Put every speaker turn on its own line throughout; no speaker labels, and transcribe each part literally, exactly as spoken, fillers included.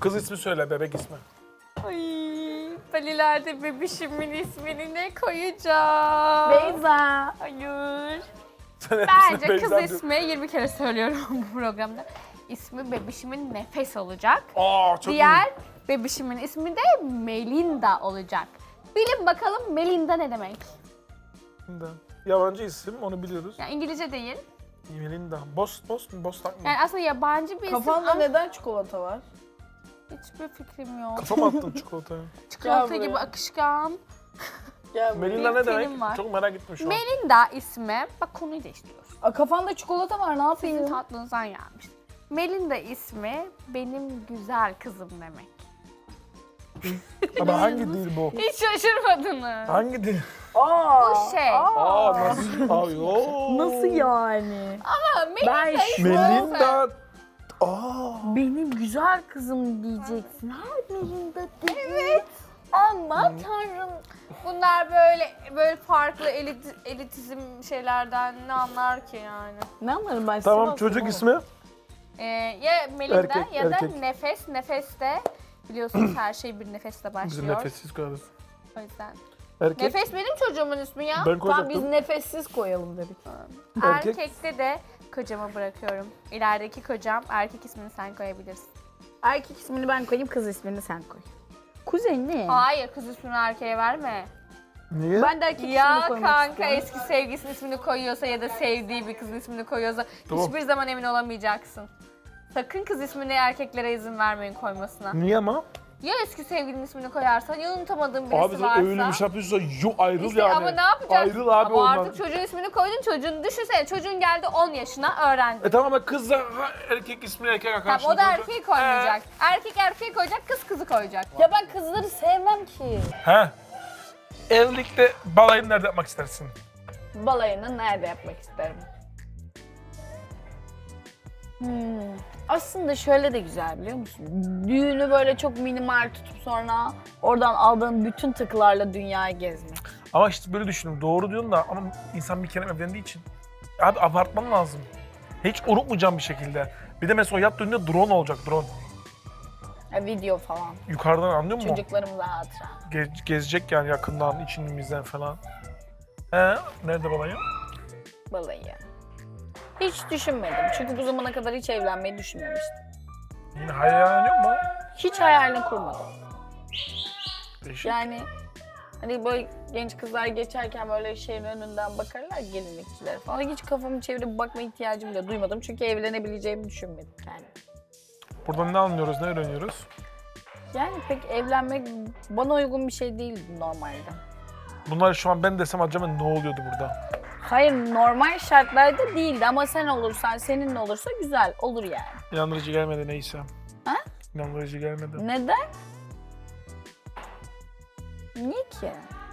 Kız ismi söyle, bebek ismi.
Ay, ben ileride bebişimin ismini ne koyacağım?
Beyza.
Hayır.
Sen
Bence
hepsini
kız
Beyza
ismi yirmi kere söylüyorum bu programda. İsmi bebişimin Nefes olacak.
Aa çok
Diğer bebişimin ismi de Melinda olacak. Bilin bakalım Melinda ne demek?
iyi. Yabancı isim, onu biliyoruz.
Yani İngilizce değil.
Melinda. Bost, Bost mu? Bostak mı?
Yani aslında yabancı bir isim
Kafanda
ama
neden çikolata var?
hiçbir fikrim yok.
Kafama attın çikolatayı.
Çikolata
Gel
gibi
buraya.
akışkan.
Gel buraya.
Melinda
Bir
ne demek?
film var.
Çok merak ettim şu an.
Melinda ismi, bak konuyu değiştiriyoruz.
Aa, kafanda çikolata var, ne
Sizin
yapayım?
tatlınızdan gelmiş. Melinda ismi benim güzel kızım demek.
Ama hangi dil bu?
Hiç şaşırmadınız.
Hangi dil?
Aa,
Bu şey.
Aa nasıl? Aa yoo.
Nasıl yani?
Ama Melinda
Ben
ismi
Melinda. Aa.
Benim güzel kızım diyeceksin. Her Melinda değil. Evet. Ama tanrım.
Bunlar böyle böyle farklı elit, elitizm şeylerden ne anlar ki yani?
Ne anlarım ben?
Tamam
Sivas'ım
çocuk
oğlum.
ismi?
Ee, ya Melinda
Erkek,
ya da
erkek.
Nefes. Nefes de biliyorsunuz her şey bir nefesle
Biz
başlıyor.
nefessiz koyarız.
O yüzden.
Erkek.
Nefes benim çocuğumun ismi ya.
Ben
Tamam biz
koyacaktım.
nefessiz koyalım dedik.
Erkek.
Erkekte de kocama bırakıyorum. İlerideki kocam, erkek ismini sen koyabilirsin.
Erkek ismini ben koyayım, kız ismini sen koy. Kuzenli.
Hayır, kız ismini erkeğe verme.
Niye?
Ben de erkek ismini
Ya
koymak
kanka
istiyorum.
eski sevgilisinin ismini koyuyorsa ya da sevdiği bir kızın ismini koyuyorsa
Tamam.
hiçbir zaman emin olamayacaksın. Sakın kız ismini erkeklere izin vermeyin koymasına.
Niye ama?
Ya eski sevgilinin ismini koyarsan ya unutamadığın birisi
Abi sen
varsa.
öyle bir şey yapıyorsa yo ayrıl
İşte
yani.
ama ne yapacaksın?
Ayrıl abi
ama
ondan.
artık çocuğun ismini koydun, çocuğun düşünsene çocuğun geldi on yaşına öğrendi.
E tamam ama kız da ha, erkek ismini erkek
Tamam,
arkadaşını
o da
koyacak.
erkeği koymayacak. Erkek erkeği koyacak, kız kızı koyacak.
Ya ben kızları sevmem ki.
He. Evlilikte balayını nerede yapmak istersin?
Balayını nerede yapmak isterim? Hmm. Aslında şöyle de güzel biliyor musun? Düğünü böyle çok minimal tutup sonra oradan aldığın bütün tıklarla dünyayı gezmek.
Ama işte böyle düşündüm. Doğru diyorsun da ama insan bir kere evlendiği için. Abi abartman lazım. Hiç unutmayacağım bir şekilde. Bir de mesela o yat düğünde drone olacak, drone.
Ya video falan.
Yukarıdan anlıyor musun?
Çocuklarımıza hatıra.
Ge- gezecek yani yakından, içimizden falan. He, nerede balayı?
Balayı. Hiç düşünmedim. Çünkü bu zamana kadar hiç evlenmeyi düşünmemiştim.
Yine hayal mu?
Hiç hayalini kurmadım.
Değişik.
Yani hani böyle genç kızlar geçerken böyle şeyin önünden bakarlar gelinlikçiler falan. Hiç kafamı çevirip bakma ihtiyacım bile duymadım. Çünkü evlenebileceğimi düşünmedim yani.
Buradan ne anlıyoruz, ne öğreniyoruz?
Yani pek evlenmek bana uygun bir şey değildi normalde.
Bunlar şu an ben desem acaba ne oluyordu burada?
Hayır normal şartlarda değildi ama sen olursan, seninle olursa güzel olur yani.
İnandırıcı gelmedi neyse.
Ha?
İnandırıcı gelmedi.
Neden? Niye ki?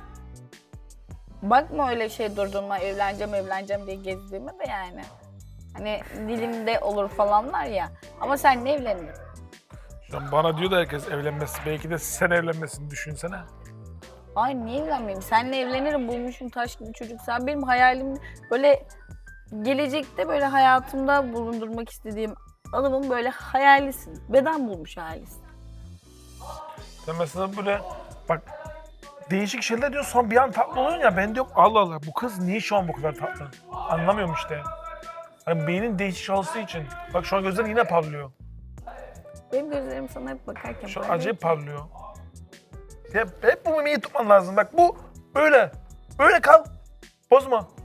Bakma öyle şey durduğuma evleneceğim evleneceğim diye gezdiğime de yani. Hani dilimde olur falanlar ya. Ama sen ne evlendin?
Şu an bana diyor da herkes evlenmesi. Belki de sen evlenmesini düşünsene.
Ay niye evlenmeyeyim? Seninle evlenirim bulmuşum taş gibi çocuk. Sen benim hayalim böyle gelecekte böyle hayatımda bulundurmak istediğim adamın böyle hayalisin. Beden bulmuş hayalisin.
Sen mesela böyle bak değişik şeyler diyorsun sonra bir an tatlı oluyorsun ya ben diyorum Allah Allah bu kız niye şu an bu kadar tatlı? Anlamıyorum işte. Hani beynin değişik çalıştığı için. Bak şu an gözlerin yine parlıyor.
Benim gözlerim sana hep bakarken
Şu an
böyle-
acayip parlıyor. Hep, hep bu mimeyi tutman lazım. Bak bu böyle. Böyle kal. Bozma.